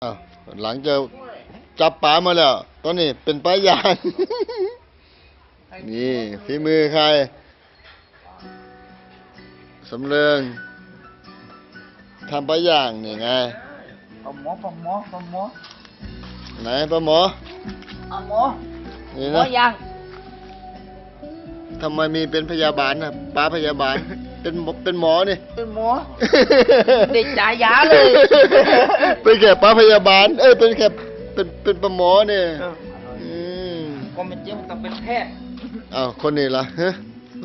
อ้าวหลังจะจับปลามาแล้ว ตอนนี้เป็นปลายาง นี่ฝีมือใครสำเริงทำปลายางนี่ไงปลาหมอไหนปลาหมอนี่หมอนะยังทำไมมีเป็นพยาบาลนะปลาพยาบาล เป็นหมอนี่เป็นหมอ เด็กจ่ายยาเลยเป็นแค่ปลาพยาบาล เป็นแค่เป็นปลาหมอเนี่ยมก็เป็นจริงมันต้องเป็นแพทย์อ้าวคนนี้ล่ะฮะ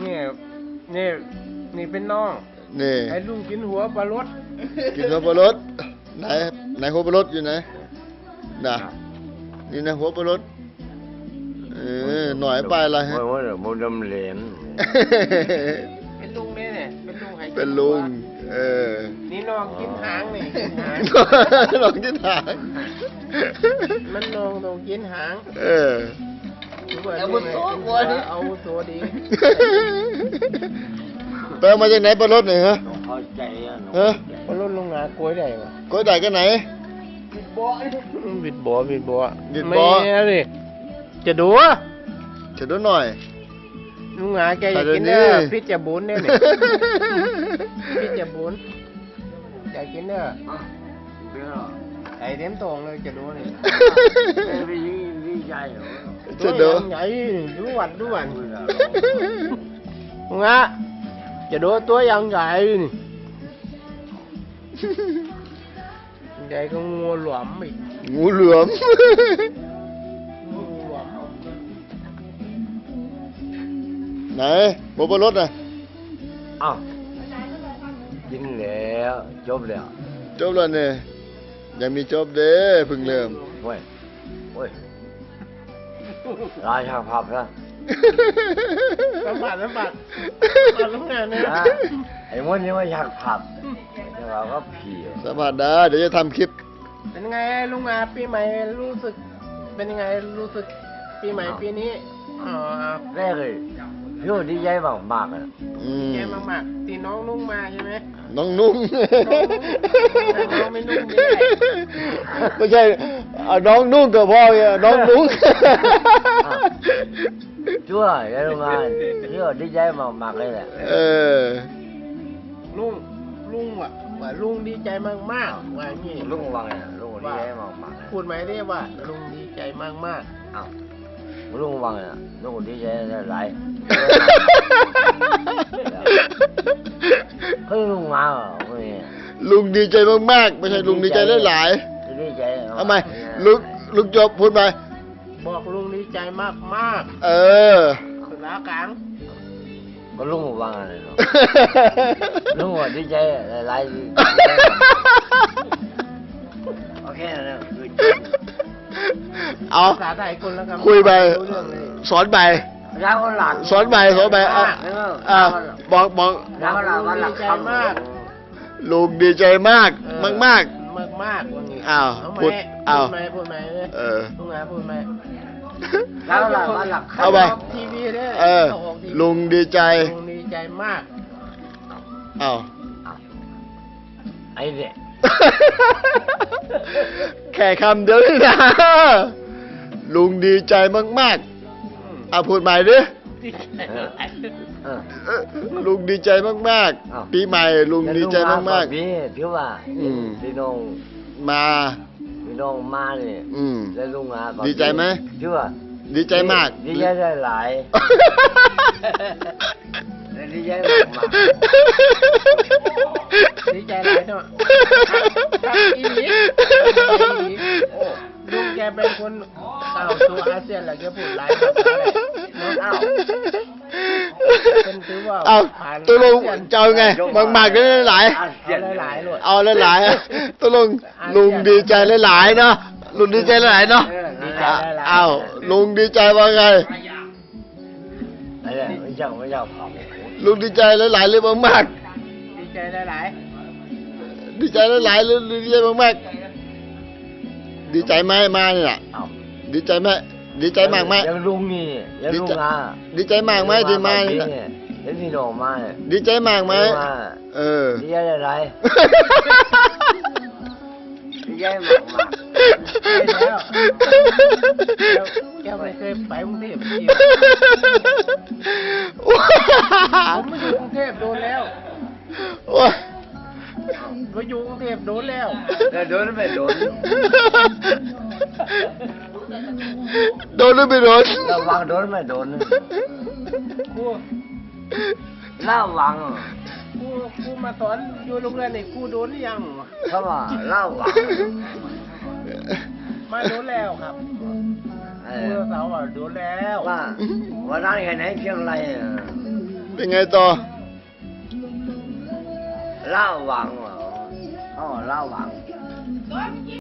นี่เป็นน้องนี่ไอ้ลุงกินหัวปลารสกินหัวปลารสไหนหัวปลารสอยู่ไหนน่ะนี่นะหัวปลารสหน่อยไปอะไรฮะว่าโมดมเหลนเป็นลุงเนี่ยเป็นลุงให้กิเป็นลุงนี่น้องกินหางนี่กินหางลองที่ถางมันน้องต้องกินหางเอาบุญโซ่กลัวดิเอาโซดีไปเอามาจากไหนปลารสเนี่ยฮะน้องเข้าใจอ่ะน้องฮะปลารสลงหนากล้วยได้ปะก็ได้กันไหนบิดบ่อบิดบ่อไม่เลยจะดูเฉดหน่อยลุงหาแกอยากกินเด้อพิษจะบุญเนี่ยนี่พิษจะบุญอยากกินเด้อเบี้ยไอ้เต็มตรงเลยจะดูนี่ไม่ดีใจเหรอเฉดใหญ่ดูหวันลุงฮะจะดูตัวยังใหญ่นี่ใหญ่ก็งูหลวมอีกงูเหลือมงูหลวมไหนหัวปลารสน่ะอ้าวกินแล้วจบแล้วจบแล้วเนี่ยยังมีจบเด้เพิ่งเริ่มเว้ยราชาพับนะสัมผัสมาทำงานเนี่ยไอ้มดนี่ว่าอยากพับแต่เราก็ผีอ่ะสัมผัสได้เดี๋ยวจะทำคลิปเป็นไงลุงอาปีใหม่รู้สึก เป็นยังไงรู้สึกปีใหม่ปีนี้อ๋อแรกเลยพี่ว่าดีใจมากๆอ่ะแย่มากๆตีน้องนุ่งมาใช่ไหมน้องนุ่งน้องไม่นุ่งดีเลยไม่ใช่น้องนุ่งกับพ่อเนี่ยน้องนุ่งชั่วไอ้โรงงานพี่ว่าดีใจมากๆเลยแหละลุงว่าลุงดีใจมากๆว่างี้ลุงวังเนี่ยลุงดีใจมากๆพูดไหมได้ว่าลุงดีใจมากอ้าวลุงวังเนี่ยลุงดีใจหลายเฮ้ยลุงมาเหรอเฮ้ยลุงดีใจมากๆไม่ใช่ลุงดีใจหลายดีใจๆทำไมลุงจบพูดไปๆบอกลุงดีใจมาก สุดแล้วกลางก็ลุงวังอะไรเนาะลุงว่าดีใจหลายโอเคนะคือเอาภาษาไทยคนละคำคุยไปรู้เรื่องเลยสอนไปรักคนหลังสอนไปบอกรักคนหลังวันหลังคำลุงดีใจมากมากมากว่างี้อ้าวเาไหมพูดอ้าวพูดไหม ลุงอาพูดไหมรักคนหลังวันหลังเอาไปออกทีวีด้วยๆออกทีวีลุงดีใจลุงดีใจมากอ้าวไอ้เนี่ยแค่คำเดียวนี่นะลุงดีใจมากๆพูดใหม่ดิลุงดีใจมากๆปีใหม่ลุงดีใจมากพี่พี่ว่าๆพี่น้องมาพี่น้องมาเนี่ย แล้วลุงอาดีใจไหมพี่ว่าดีใจมากดีใจได้หลายดีใจมากดีใจหลายเนาะอีหลีโอ้ลุงแกเป็นคนเข้าสู่อาเซียนแล้วแกพูดหลายภาษาเลยเนาะอ้าวเป็นถือว่าเอาผ่านตัวลุงอาเซียนจะเอาไงมากๆได้หลายเอาหลายๆเลยเอาหลายๆตัวลุงดีใจหลายๆเนาะลุงดีใจหลายๆเนาะดีใจหลายๆเอาลุงดีใจว่าไงไอ้เนี่ยไม่อยากเผาลุงดีใจหลายๆหรือมากดีใจหลายๆดีใจหลายๆหรือดีใจมากๆดีใจไหมมาเนี่ยเอาดีใจไหมดีใจมากไหมยังลุงนี่ยังลุงอาดีใจมากไหมที่มาเนี่เนี่ยยแล้วพี่น้องมาเนี่ยดีใจมากไหมดีใจได้หลายดีใจมากมากใช่แล้วแกไม่เคยไปกรุงเทพจริงผมมาอยู่กรุงเทพโดนแล้วโอ้ยมาอยู่กรุงเทพโดนแล้วแต่โดนไม่โดนโดนหรือไม่โดนระวังโดนไม่โดนครูระวังครูมาสอนอยู่โรงเรียนนี่ครูโดนหรือยังเขาว่าระวังมาโดนแล้วครับเอครูอสาวว่าโดนแล้วว่าวันนั้นแค่ไหนเชียงรายอะเป็นไงต่อระวังเหรออ๋อระวัง